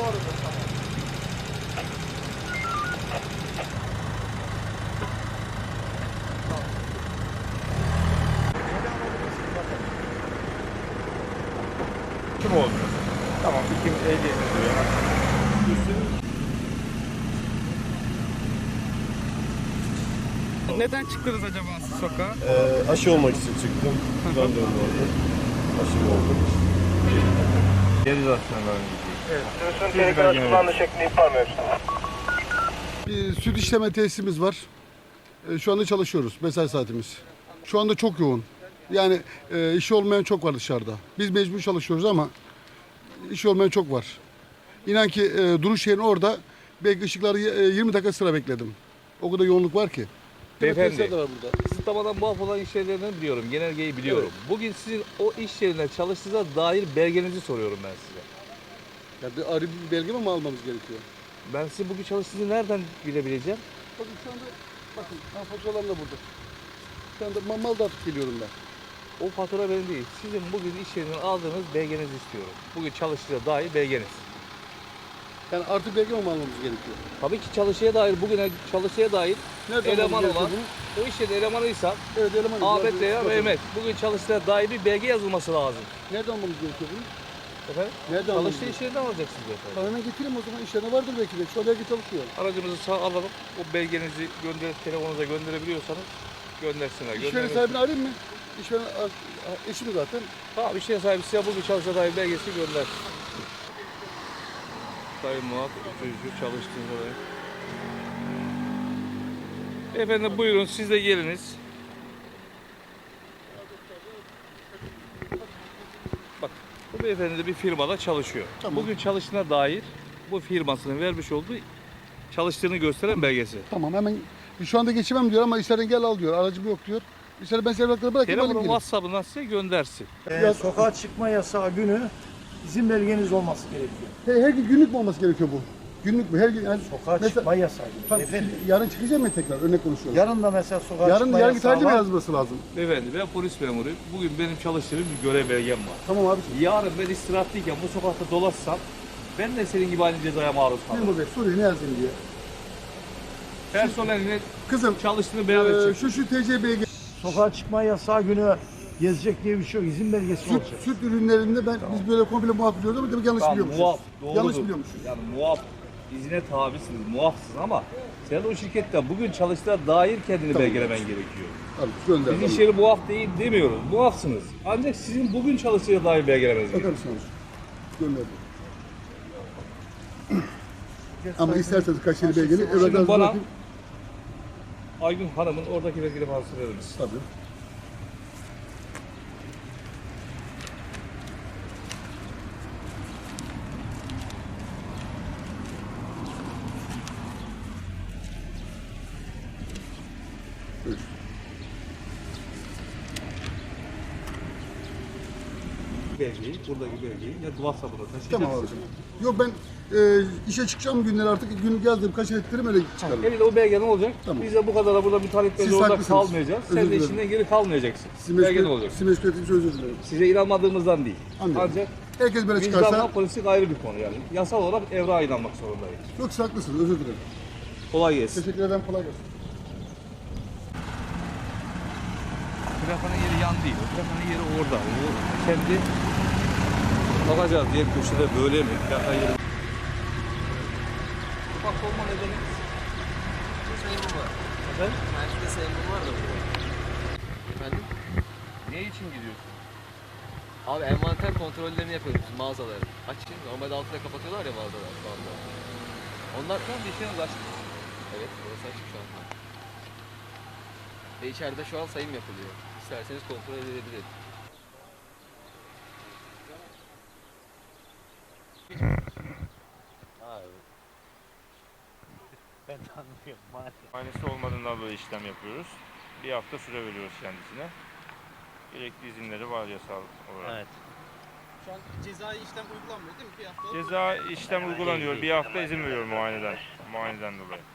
Doğrudur, tamam. Kim oldu? Tamam, kim ehliyetini duyuyor. Neden çıktınız acaba siz sokağa? Aşı olmak için çıktım. Randevum oldu. Aşım oldu. Cerizasyonların Evet. Sürüsün tehlikeli kullandığı şeklinde ihbar mevcut. Bir süt işleme tesisimiz var. Şu anda çalışıyoruz. Mesai saatimiz. Şu anda çok yoğun. Yani işi olmayan çok var dışarıda. Biz mecbur çalışıyoruz ama işi olmayan çok var. İnan ki duruş yerin orada belki ışıkları 20 dakika sıra bekledim. O kadar yoğunluk var ki. Beyefendi, Tesisler de var burada. kısıtlamadan muaf olan iş yerlerini biliyorum, genelgeyi biliyorum. Bugün sizin o iş yerine çalıştığınıza dair belgenizi soruyorum ben size. Ya bir arı bir belge mi almamız gerekiyor? Ben sizin bugün çalıştığınızı nereden bilebileceğim? Bakın şu anda bakın faturalarım da burada. Şu anda mal dağıtıp geliyorum ben. O fatura benim değil. Sizin bugün iş yerinden aldığınız belgenizi istiyorum. Bugün çalıştığına dair belgeniz. Yani artı belge mi almamız gerekiyor? Tabii ki çalışıya dair, bugüne çalışıya dair Nerede eleman almamız olan, gerekiyor o iş yerinin elemanıysa Evet elemanım. Ahmet veya Mehmet, bugün çalıştığına dair bir belge yazılması lazım. Nerede almamız gerekiyor bunu? Efendim? Nerede almamız Çalıştığı iş yerinden alacaksınız efendim. Tamam, hemen getireyim o zaman. İşlerine vardır belki de. Şu an belki çalışıyor. Aracımızı sağ alalım. O belgenizi telefonunuza gönderebiliyorsanız göndersinler. İşveren sahibini arayayım mı? İşveren eşim zaten. Tamam, iş yeri sahibi size bugün çalıştığına dair belgesini gönder. Sayın Muhat, ütücü çalıştığınız oraya. Efendim buyurun, siz de geliniz. Bak, bu beyefendi de bir firmada çalışıyor. Tamam. Bugün çalıştığına dair bu firmasının vermiş olduğu çalıştığını gösteren belgesi. Tamam hemen şu anda geçemem diyor ama işlerden gel al diyor. Aracım yok diyor. İşleri ben servetleri bırakayım Telefonun alayım gelin. WhatsApp'ından size göndersin. Sokağa çıkma yasağı günü izin belgeniz olması gerekiyor. Her gün günlük mü olması gerekiyor bu? Günlük mü? Her gün yani Sokağa çıkma yasağı günü. Tamam, Efendim, yarın çıkacağım mı tekrar? Örnek konuşuyorum. yarın da mesela sokağa Yarın çıkma yarın yasağı tarihli mi var. yazması lazım? Beyefendi, ben polis memuruyum. Bugün benim çalıştığım bir görev belgem var. Tamam abi. Yarın ben istirahatlıyken bu sokakta dolaşsam ben de senin gibi aynı cezaya maruz kalırım. Memur Bey soruyu ne yazayım diye. Personeline Kızım çalıştığını beyan edecek. şu TCB'ye Sokağa çıkma yasağı günü gezecek diye bir şey yok. İzin belgesi olacak. süt ürünlerinde biz böyle komple muaf biliyoruz ama demek yanlış Tamam, biliyormuşuz. muaf, doğrudur. Yanlış biliyormuşuz. Yani muaf, izine tabisiniz, muafsınız ama sen o şirkette bugün çalıştığına dair kendini belgelemen gerekiyor. Tamam gönder. Biz iş yeri muaf değil demiyoruz, muafsınız. Ancak sizin bugün çalıştığına dair belgelemeniz gerekiyor. Öpersiniz. Gönderdim. Ama isterseniz kaşeli belgeli Şimdi evraklarınızı bana bırakayım. Aygün Hanım'ın oradaki belgeli fazlası verir misin? Tabii. Buyur. Belgeyi, buradaki belgeyi ya WhatsApp'ına taşıyacaksın. Tamam abicim. Yok ben işe çıkacağım günler artık günlük yazdım kaç ettirim öyle çıkarım. Elinde o belge ne olacak? Tamam. Biz de bu kadar burada mütalip Siz belge orada haklısınız. kalmayacağız. Özür Sen de dilerim. işinden geri kalmayacaksın. Sizin Belge ne olacak? Sizin meşgul ettiğim için özür dilerim. Size inanmadığımızdan değil. Anladım. Ancak Herkes böyle vicdanla çıkarsa politik ayrı bir konu yani. Yasal olarak evrağa inanmak zorundayız. çok haklısınız özür dilerim. Kolay gelsin. Teşekkür ederim kolay gelsin. Plakanın yeri yan değil. O plakanın yeri orada. O kendi bakacağız diye köşede böyle mi? Plaka yeri. Ufak olma nedeni. Sayımı var. Efendim? Belki de sayımı var da burada. Efendim? Ne için gidiyorsun? Abi envanter kontrollerini yapıyoruz biz mağazaların. Açın. Normalde altına kapatıyorlar ya mağazalar şu anda. Onlar Şu anda işleriniz açık. evet burası açık şu anda. Ve içeride şu an sayım yapılıyor. İsterseniz kontrol edebiliriz. Muayenesi olmadığından dolayı işlem yapıyoruz. Bir hafta süre veriyoruz kendisine. Gerekli izinleri var yasal olarak. Evet. Şu an cezai işlem uygulanmıyor değil mi? Bir hafta Ceza işlem uygulanıyor. Bir hafta izin veriyor muayeneden dolayı.